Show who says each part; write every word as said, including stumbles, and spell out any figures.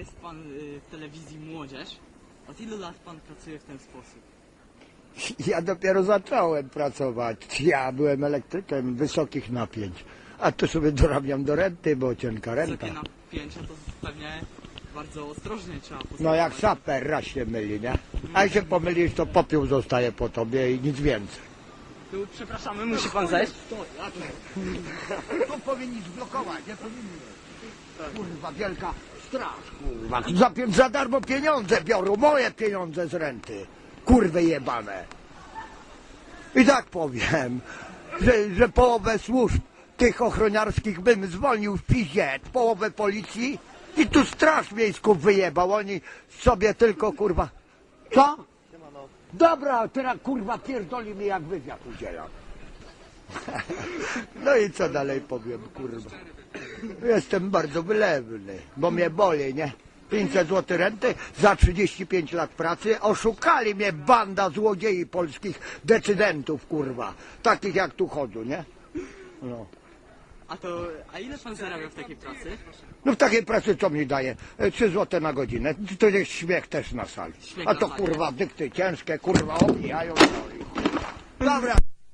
Speaker 1: jest pan y, w telewizji Młodzież. Od ilu lat pan pracuje w ten sposób?
Speaker 2: Ja dopiero zacząłem pracować. Ja byłem elektrykiem wysokich napięć. A tu sobie dorabiam do renty, bo cienka renta.
Speaker 1: Wysokie napięcia to pewnie bardzo ostrożnie trzeba postępować.
Speaker 2: No jak saper, raz się myli, nie? A jak się pomylisz, to popiół zostaje po tobie i nic więcej.
Speaker 1: Tu przepraszamy, musi pan zejść.
Speaker 2: To powinni zblokować, nie powinni. Kurwa, wielka straż, kurwa. Za, pie- za darmo pieniądze biorą, moje pieniądze z renty. Kurwy jebane. I tak powiem, że, że połowę służb tych ochroniarskich bym zwolnił w piździe, połowę policji i tu straż miejską wyjebał. Oni sobie tylko, kurwa... Co? Dobra, teraz kurwa pierdoli mi jak wywiad udzielam. No i co dalej powiem, kurwa. Jestem bardzo wylewny, bo mnie boli, nie? pięćset złotych renty za trzydzieści pięć lat pracy. Oszukali mnie banda złodziei polskich decydentów, kurwa. Takich jak tu chodzą, nie? No.
Speaker 1: A to, a ile pan zarabia w takiej pracy?
Speaker 2: No w takiej pracy co mi daje? E, trzy złote na godzinę. To jest śmiech też na sali.
Speaker 1: Śmiech
Speaker 2: A
Speaker 1: na
Speaker 2: to
Speaker 1: sali.
Speaker 2: kurwa dykty ciężkie, kurwa obijają. Dobra.